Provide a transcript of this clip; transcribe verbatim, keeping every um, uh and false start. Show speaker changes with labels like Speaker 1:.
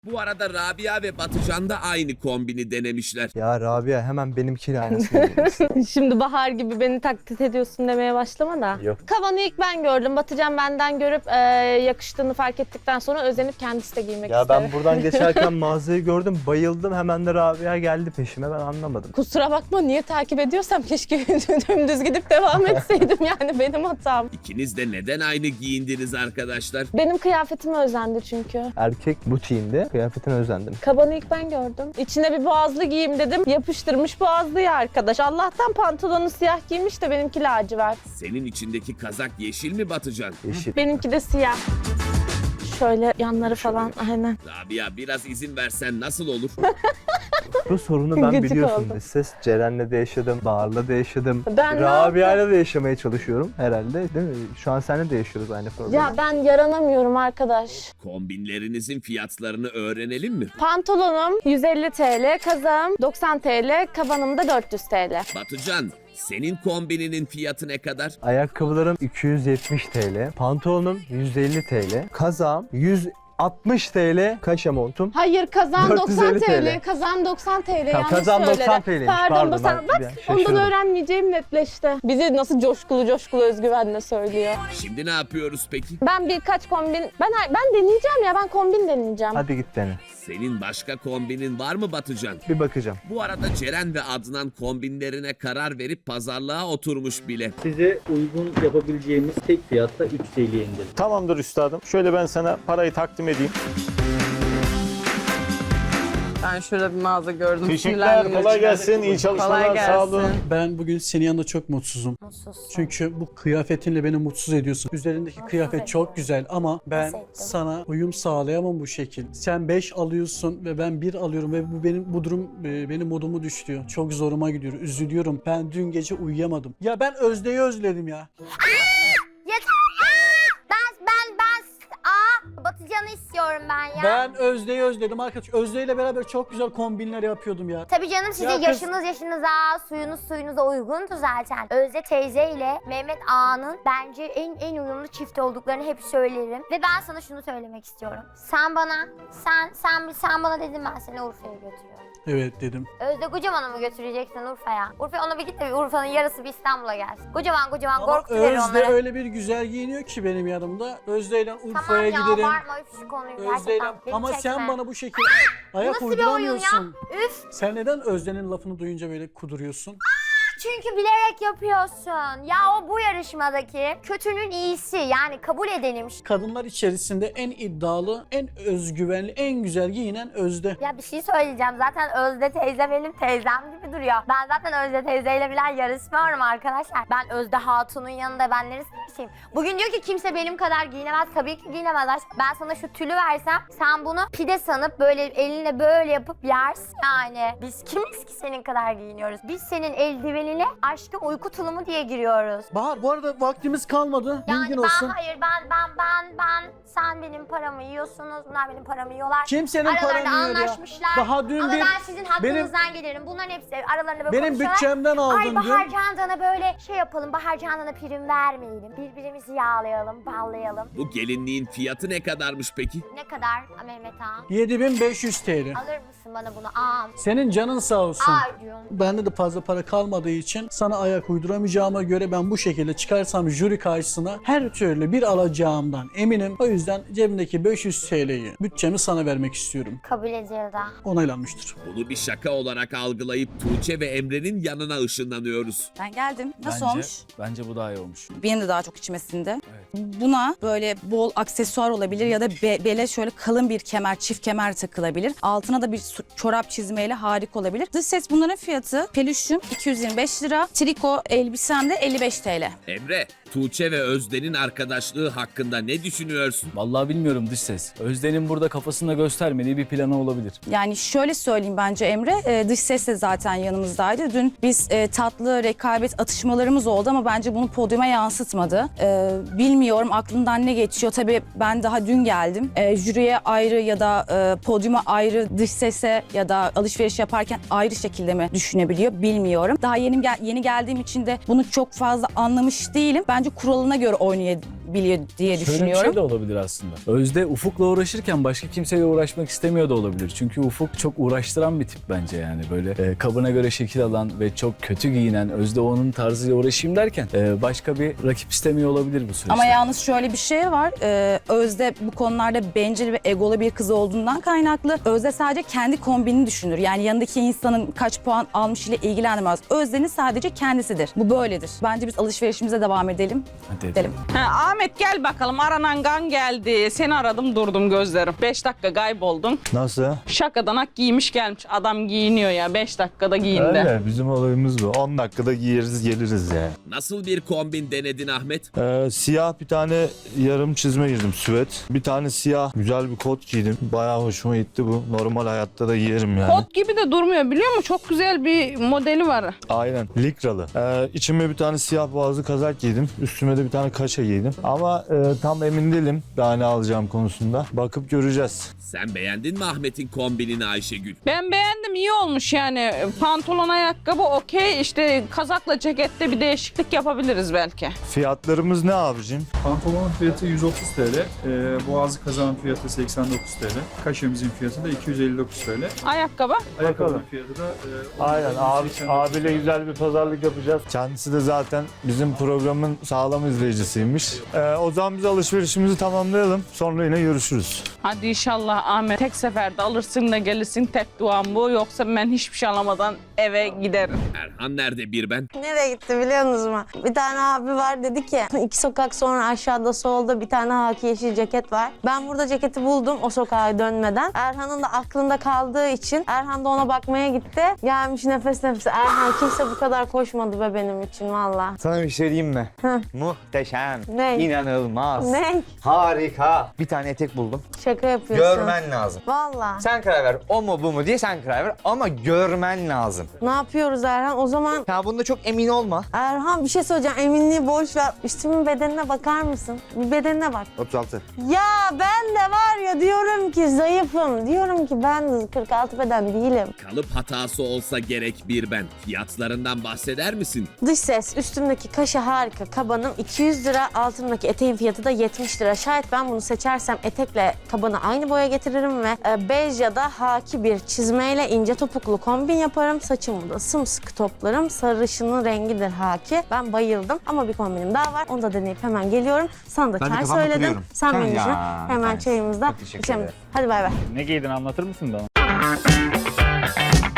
Speaker 1: Bu arada Rabia ve Batıcan da aynı kombini denemişler.
Speaker 2: Ya Rabia hemen benimkiyle aynısını yapıyorsun.
Speaker 3: Şimdi Bahar gibi beni taklit ediyorsun demeye başlama da.
Speaker 2: Yok.
Speaker 3: Kavanı ilk ben gördüm. Batıcan benden görüp e, yakıştığını fark ettikten sonra özenip kendisi de giymek
Speaker 2: Ya
Speaker 3: istedi.
Speaker 2: ben buradan geçerken mağazayı gördüm, bayıldım. Hemen de Rabia geldi peşime, ben anlamadım.
Speaker 3: Kusura bakma, niye takip ediyorsam keşke dümdüz gidip devam etseydim, yani benim hatam.
Speaker 1: İkiniz de neden aynı giyindiniz arkadaşlar?
Speaker 3: Benim kıyafetime özendi çünkü.
Speaker 2: Erkek butiğinde kıyafetine özendim.
Speaker 3: Kabanı ilk ben gördüm. İçine bir boğazlı giyeyim dedim. Yapıştırmış boğazlıyı arkadaş. Allah'tan pantolonu siyah giymiş de benimki lacivert.
Speaker 1: Senin içindeki kazak yeşil mi Batıcan?
Speaker 2: Yeşil.
Speaker 3: Benimki de siyah. Şöyle yanları falan, aynen.
Speaker 1: Rabia biraz izin versen nasıl olur?
Speaker 2: Bu sorunu ben
Speaker 3: Gıcık
Speaker 2: biliyorsun.
Speaker 3: oldum.
Speaker 2: Dış ses Ceren'le de yaşadım, Bahar'la da yaşadım.
Speaker 3: Ben ne
Speaker 2: Rabia'yla da yaşamaya çalışıyorum herhalde, değil mi? Şu an seninle de yaşıyoruz aynı problemi.
Speaker 3: Ya ben yaranamıyorum arkadaş.
Speaker 1: Kombinlerinizin fiyatlarını öğrenelim mi?
Speaker 3: Pantolonum yüz elli TL, kazağım doksan TL, kabanım da dört yüz TL.
Speaker 1: Batıcan, senin kombininin fiyatı ne kadar?
Speaker 2: Ayakkabılarım iki yüz yetmiş TL, pantolonum yüz elli TL, kazağım yüz altmış TL, kaşe montum.
Speaker 3: Hayır, kazağım
Speaker 2: dört yüz
Speaker 3: doksan
Speaker 2: elli
Speaker 3: TL,
Speaker 2: TL.
Speaker 3: kazağım doksan TL, yanlış
Speaker 2: kazağım
Speaker 3: söyledi.
Speaker 2: doksan TL'ymiş,
Speaker 3: Pardon,
Speaker 2: pardon,
Speaker 3: basar-
Speaker 2: ben
Speaker 3: bak
Speaker 2: bir an
Speaker 3: ondan
Speaker 2: şaşırdım.
Speaker 3: öğrenmeyeceğim netleşti. Bizi nasıl coşkulu coşkulu özgüvenle söylüyor.
Speaker 1: Şimdi ne yapıyoruz peki?
Speaker 3: Ben birkaç kombin, ben ben deneyeceğim ya, ben kombin deneyeceğim.
Speaker 2: Hadi git dene.
Speaker 1: Senin başka kombinin var mı Batıcan?
Speaker 2: Bir bakacağım.
Speaker 1: Bu arada Ceren ve Adnan kombinlerine karar verip pazarlığa oturmuş bile.
Speaker 4: Size uygun yapabileceğimiz tek fiyatta üç T L'ye indirin.
Speaker 5: Tamamdır üstadım. Şöyle ben sana parayı takdim edeyim.
Speaker 6: Ben şurada bir mağaza gördüm.
Speaker 5: Teşekkürler.
Speaker 6: sinirlendim.
Speaker 5: Kolay gelsin. İyi çalışmalar.
Speaker 6: Kolay
Speaker 5: Sağ olun.
Speaker 6: gelsin.
Speaker 7: Ben bugün senin yanında çok mutsuzum.
Speaker 8: Mutsuzsun.
Speaker 7: Çünkü bu kıyafetinle beni mutsuz ediyorsun. Üzerindeki kıyafet çok güzel ama ben
Speaker 8: Nasıl ettin?
Speaker 7: sana uyum sağlayamam bu şekil. Sen beş alıyorsun ve ben bir alıyorum ve bu benim bu durum e, benim modumu düşürüyor. Çok zoruma gidiyor. Üzülüyorum. Ben dün gece uyuyamadım. Ya ben Özde'yi özledim ya.
Speaker 8: Yeter! Aa! Ben, ben, ben, aa, Batıcan'ı istiyorum ben ya.
Speaker 7: Ben Özde'yi özledim arkadaş. Özde ile beraber çok güzel kombinler yapıyordum ya.
Speaker 8: Tabii canım, sizin
Speaker 7: Ya kız-
Speaker 8: yaşınız yaşınıza, suyunuz suyunuza uygundu zaten. Özde teyze ile Mehmet Ağa'nın bence en en uyumlu çift olduklarını hep söylerim. Ve ben sana şunu söylemek istiyorum. Sen bana, sen sen sen bana dedin, ben seni Urfa'ya götürüyorum.
Speaker 7: Evet dedim.
Speaker 8: Özde kocamanı mı götüreceksin Urfa'ya? Urfa'ya ona bir git de bir Urfa'nın yarısı bir İstanbul'a gelsin. Kocaman kocaman
Speaker 7: Ama
Speaker 8: korkutu verir
Speaker 7: Özde
Speaker 8: onlara.
Speaker 7: öyle bir güzel giyiniyor ki benim yanımda. Özde ile Urfa'ya
Speaker 8: Tamam ya,
Speaker 7: giderim.
Speaker 8: abartma üf şu konuyu
Speaker 7: Özde'yle
Speaker 8: gerçekten. Beni
Speaker 7: ama
Speaker 8: çekme.
Speaker 7: sen bana bu şekilde ayak
Speaker 8: Nasıl bir oyun ya?
Speaker 7: uyduramıyorsun.
Speaker 8: Üf!
Speaker 7: Sen neden Özde'nin lafını duyunca böyle kuduruyorsun?
Speaker 8: Çünkü bilerek yapıyorsun. Ya o bu yarışmadaki kötünün iyisi, yani kabul edelim.
Speaker 7: Kadınlar içerisinde en iddialı, en özgüvenli, en güzel giyinen Özde.
Speaker 8: Ya bir şey söyleyeceğim. Zaten Özde teyze benim teyzem gibi duruyor. Ben zaten Özde teyzeyle bile yarışmıyorum arkadaşlar. Ben Özde Hatun'un yanında ben neresine geçeyim? Bugün diyor ki kimse benim kadar giyinemez. Tabii ki giyinemez aşk. Ben sana şu tülü versem sen bunu pide sanıp böyle elinle böyle yapıp yersin yani. Biz kimiz ki senin kadar giyiniyoruz? Biz senin eldivenine aşkın uyku tulumu diye giriyoruz.
Speaker 7: Bahar bu arada vaktimiz kalmadı.
Speaker 8: Yani
Speaker 7: Bilgin
Speaker 8: ben
Speaker 7: olsun.
Speaker 8: hayır ben ben ben ben sen benim paramı yiyorsunuz, bunlar benim paramı yiyorlar.
Speaker 7: Kimsenin
Speaker 8: Aralarında
Speaker 7: paranı yiyor ya.
Speaker 8: anlaşmışlar.
Speaker 7: Daha dün
Speaker 8: Ama
Speaker 7: bir-
Speaker 8: ben sizin hakkınızdan
Speaker 7: benim-
Speaker 8: gelirim. Bunların hepsi aralarında böyle
Speaker 7: Benim
Speaker 8: konuşuyorlar.
Speaker 7: bütçemden aldın
Speaker 8: Ay Bahar
Speaker 7: dün.
Speaker 8: Candan'a böyle şey yapalım, Bahar Candan'a prim vermeyelim. Birbirimizi yağlayalım, ballayalım.
Speaker 1: Bu gelinliğin fiyatı ne kadarmış peki?
Speaker 8: Ne kadar Mehmet Ağa?
Speaker 7: yedi bin beş yüz T L.
Speaker 8: Alır mısın bana bunu? Ağam.
Speaker 7: Senin canın sağ olsun.
Speaker 8: Aa diyorum.
Speaker 7: Bende de fazla para kalmadığı için sana ayak uyduramayacağıma göre ben bu şekilde çıkarsam jüri karşısına her türlü bir alacağımdan eminim. O yüzden cebimdeki beş yüz T L'yi bütçemi sana vermek istiyorum.
Speaker 8: Kabul edildi.
Speaker 7: Onaylanmıştır.
Speaker 1: Bunu bir şaka olarak algılayıp Tuğçe ve Emre'nin yanına ışınlanıyoruz.
Speaker 9: Ben geldim. Nasıl
Speaker 10: Bence-
Speaker 9: olmuş?
Speaker 10: Bence bu daha iyi olmuş.
Speaker 9: Benim de daha çok içime sindi. Buna böyle bol aksesuar olabilir ya da be- bele şöyle kalın bir kemer, çift kemer takılabilir. Altına da bir su- çorap çizmeyle harika olabilir. Dış ses bunların fiyatı pelüşüm iki yüz yirmi beş lira, triko elbisem de elli beş T L.
Speaker 1: Emre, Tuğçe ve Özden'in arkadaşlığı hakkında ne düşünüyorsun?
Speaker 10: Vallahi bilmiyorum dış ses. Özden'in burada kafasında göstermediği bir planı olabilir.
Speaker 9: Yani şöyle söyleyeyim bence Emre, e, dış ses de zaten yanımızdaydı. Dün biz e, tatlı rekabet atışmalarımız oldu ama bence bunu podyuma yansıtmadı. E, bilmiyorum aklından ne geçiyor. Tabii ben daha dün geldim. E, jüriye ayrı ya da e, podyuma ayrı, dış sese ya da alışveriş yaparken ayrı şekilde mi düşünebiliyor bilmiyorum. Daha yeni gel- yeni geldiğim için de bunu çok fazla anlamış değilim. Bence kuralına göre oynayabilir biliyor diye
Speaker 10: Şöyle bir
Speaker 9: düşünüyorum.
Speaker 10: şey de olabilir aslında. Özde Ufuk'la uğraşırken başka kimseyle uğraşmak istemiyor da olabilir. Çünkü Ufuk çok uğraştıran bir tip bence yani. Böyle e, kabına göre şekil alan ve çok kötü giyinen, Özde onun tarzıyla uğraşayım derken e, başka bir rakip istemiyor olabilir bu süreçte.
Speaker 9: Ama yalnız şöyle bir şey var. Ee, Özde bu konularda bencil ve egolu bir kız olduğundan kaynaklı. Özde sadece kendi kombinini düşünür. Yani yanındaki insanın kaç puan almış ile ilgilenmez. Özde'nin sadece kendisidir. Bu böyledir. Bence biz alışverişimize devam edelim.
Speaker 10: Hadi
Speaker 9: Edelim.
Speaker 6: Ha, Ahmet gel bakalım, aranan gan geldi. Seni aradım durdum gözlerim. beş dakika kayboldun.
Speaker 5: Nasıl?
Speaker 6: Şakadanak giymiş gelmiş. Adam giyiniyor ya, beş dakikada giyindi.
Speaker 5: Öyle, bizim olayımız bu. on dakikada giyeriz geliriz yani.
Speaker 1: Nasıl bir kombin denedin Ahmet?
Speaker 5: Ee, siyah bir tane yarım çizme girdim, süvet. Bir tane siyah güzel bir kot giydim. Bayağı hoşuma gitti bu. Normal hayatta da giyerim yani.
Speaker 6: Kot gibi de durmuyor biliyor musun? Çok güzel bir modeli var.
Speaker 5: Aynen. Likralı. Ee, içime bir tane siyah boğazlı kazak giydim. Üstüme de bir tane kaşa giydim. Ama e, tam emin değilim daha ne alacağım konusunda. Bakıp göreceğiz.
Speaker 1: Sen beğendin mi Ahmet'in kombinini Ayşegül?
Speaker 6: Ben beğendim, iyi olmuş yani. Pantolon, ayakkabı okey. İşte kazakla cekette bir değişiklik yapabiliriz belki.
Speaker 5: Fiyatlarımız ne abicim?
Speaker 11: Pantolonun fiyatı yüz otuz T L, e, boğazlı kazağın fiyatı seksen dokuz T L, kaşemizin fiyatı da iki yüz elli dokuz T L.
Speaker 6: Ayakkabı?
Speaker 11: Ayakkabının fiyatı da e,
Speaker 5: Aynen abi,
Speaker 11: yüz seksen dokuz
Speaker 5: abiyle güzel bir pazarlık yapacağız. Kendisi de zaten bizim programın sağlam izleyicisiymiş. Ee, o zaman biz alışverişimizi tamamlayalım. Sonra yine görüşürüz.
Speaker 6: Hadi inşallah Ahmet tek seferde alırsın da gelirsin, tek duam bu. Yoksa ben hiçbir şey alamadan eve giderim.
Speaker 1: Erhan nerede bir ben?
Speaker 3: Nereye gitti biliyor musunuz mu? Bir tane abi var, dedi ki iki sokak sonra aşağıda solda bir tane haki yeşil ceket var. Ben burada ceketi buldum o sokağa dönmeden. Erhan'ın da aklında kaldığı için Erhan da ona bakmaya gitti. Gelmiş nefes nefese. Erhan kimse bu kadar koşmadı be benim için valla.
Speaker 2: Sana bir şey diyeyim mi?
Speaker 3: Hı.
Speaker 2: Muhteşem.
Speaker 3: Ne?
Speaker 2: İnanılmaz.
Speaker 3: Ne?
Speaker 2: Harika. Bir tane etek buldum.
Speaker 3: Şaka yapıyorsun.
Speaker 2: Görmen lazım.
Speaker 3: Valla.
Speaker 2: Sen karar ver. O mu bu mu diye sen karar ver. Ama görmen lazım.
Speaker 3: Ne yapıyoruz Erhan? O zaman
Speaker 2: Ya bunda çok emin olma.
Speaker 3: Erhan bir şey söyleyeceğim. Eminliği boş ver. Üstümün bedenine bakar mısın? Bir bedenine bak.
Speaker 2: otuz altı.
Speaker 3: Ya ben de var ya diyorum ki zayıfım. Diyorum ki ben kırk altı beden değilim.
Speaker 1: Kalıp hatası olsa gerek bir ben. Fiyatlarından bahseder misin?
Speaker 3: Dış ses, üstümdeki kaşı harika. Kabanım iki yüz lira, altımdaki eteğin fiyatı da yetmiş lira. Şayet ben bunu seçersem etekle kabanı aynı boya getiririm ve e, bej ya da haki bir çizmeyle ince topuklu kombin yaparım. Saçımı da sımsıkı toplarım. Sarışının rengidir haki. Ben bayıldım ama bir kombinim daha var. Onu da deneyip hemen geliyorum. Sana da
Speaker 2: Ben de
Speaker 3: çay
Speaker 2: kafamda
Speaker 3: söyledim.
Speaker 2: kuruyorum.
Speaker 3: Sen
Speaker 2: Sen
Speaker 3: benim için
Speaker 2: ya,
Speaker 3: hemen
Speaker 2: sen-
Speaker 3: çayımızda
Speaker 2: Çok teşekkür
Speaker 3: içelim.
Speaker 2: ederim.
Speaker 3: Hadi bay bay.
Speaker 10: Ne giydin anlatır mısın bana?